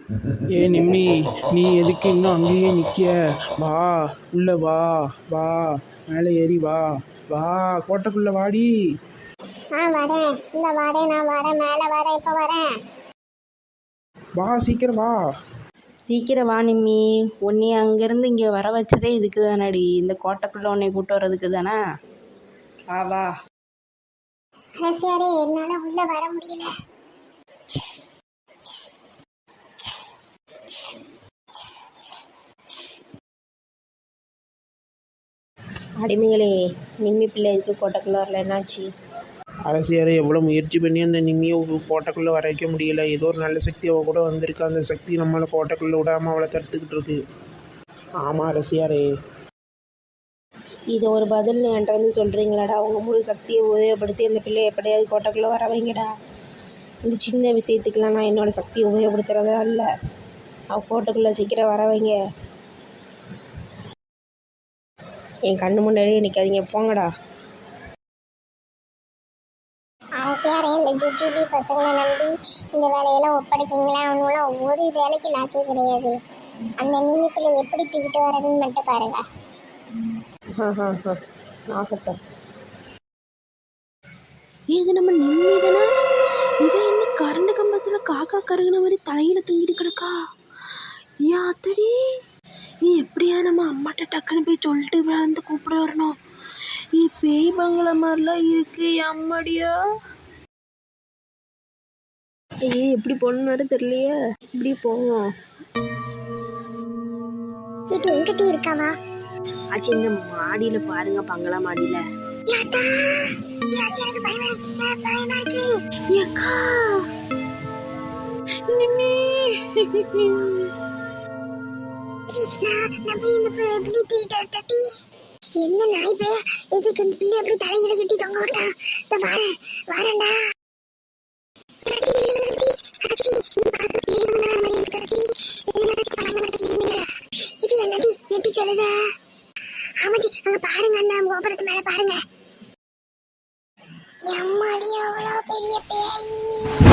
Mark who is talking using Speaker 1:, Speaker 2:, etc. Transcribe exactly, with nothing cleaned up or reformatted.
Speaker 1: ஏ நிம்மி, நீ எதுக்கு இன்னும் அங்கேயே நிற்க? வா, உள்ள வா. வா, மேலே ஏறி வா. வா, கோட்டைக்குள்ள வாடி.
Speaker 2: ஆ வரேன், இந்த வரேன், நான் வரேன், மேலே வரேன், இப்போ வரேன்.
Speaker 1: வா, சீக்கிரம் வா.
Speaker 3: சீக்கிரம் வா நிம்மி. உன்னை அங்கேருந்து இங்கே வர வச்சதே இதுக்கு தானடி, இந்த கோட்டைக்குள்ளே உன்னை கூட்டு வர்றதுக்கு தானே. வா வா.
Speaker 2: அரசியாரே, என்னால் உள்ள வர முடியல.
Speaker 3: அடிமைகளே, நிம்மி பிள்ளை இதுக்கு கோட்டைக்குள்ளே வரல, என்னாச்சு?
Speaker 1: அரசியாரை எவ்வளோ முயற்சி பண்ணி அந்த நிம்மியை கோட்டைக்குள்ளே வர வைக்க முடியல. ஏதோ ஒரு நல்ல சக்தி அவள் கூட வந்திருக்கு. அந்த சக்தி நம்மளை கோட்டைக்குள்ளே விடாமல் அவளை தடுத்துக்கிட்டு இருக்கு. ஆமாம் அரசியாரே.
Speaker 3: இது ஒரு பதில் என்கிட்ட வந்து சொல்கிறீங்களாடா? அவங்க முழு சக்தியை உபயோகப்படுத்தி அந்த பிள்ளையை எப்படியாவது கோட்டைக்குள்ளே வர வைங்கடா. இந்த சின்ன விஷயத்துக்கெலாம் நான் என்னோடய சக்தியை உபயோகப்படுத்துகிறதா இல்லை. அவள் கோட்டைக்குள்ளே சீக்கிரம் வர வைங்க. என் கண்ணு முன்னாடியே நிற்காதீங்க, போங்கடா.
Speaker 2: அரசியாரே, இந்த ஜிஜிபி பசங்களை நம்பி இந்த வேலையெல்லாம் ஒப்படைக்கிங்களா? அவனுலாம் ஒரு வேலைக்கு லாக்கே கிடையாது. அந்த நிமிப்பில் எப்படி தூக்கிட்டு வரணும்னு மட்டும் பாருங்க.
Speaker 3: ஆ ஆ ஆ ஆகட்டும். இது நம்ம நிம்மதினா? இவன் என்ன கரண்டு கம்பத்தில் காக்கா கருகுன மாதிரி தலையில தூங்கிட்டு கிடக்கா? யாத்தடி, நீ எப்படியா நம்ம அம்மாட்ட டக்குன்னு போய் சொல்லிட்டு வந்து கூப்பிட வரணும். நீ பேய் பங்களா மாதிரிலாம் இருக்கு அம்மாடியா. ஐயே, எப்படி போகணுன்னு வேறு தெரியலையே. இப்படி போவோம்.
Speaker 2: இது எங்கிட்ட இருக்காவா?
Speaker 3: ஆச்சு, இந்த மாடியில பாருங்க, பங்களா மாடியில.
Speaker 2: என்ன நாய் பே, எதுக்கு இந்த பிள்ளை எப்படி தலையில கட்டி தொங்க விட்டான்? வரேன்டா. இது என்னடி நெட்டி சொல்லுத? ஆமாஜி, அங்க பாருங்க, அந்த கோபுரத்து மேல பாருங்க. எம்மாடி, அவ்வளோ பெரிய பேய்.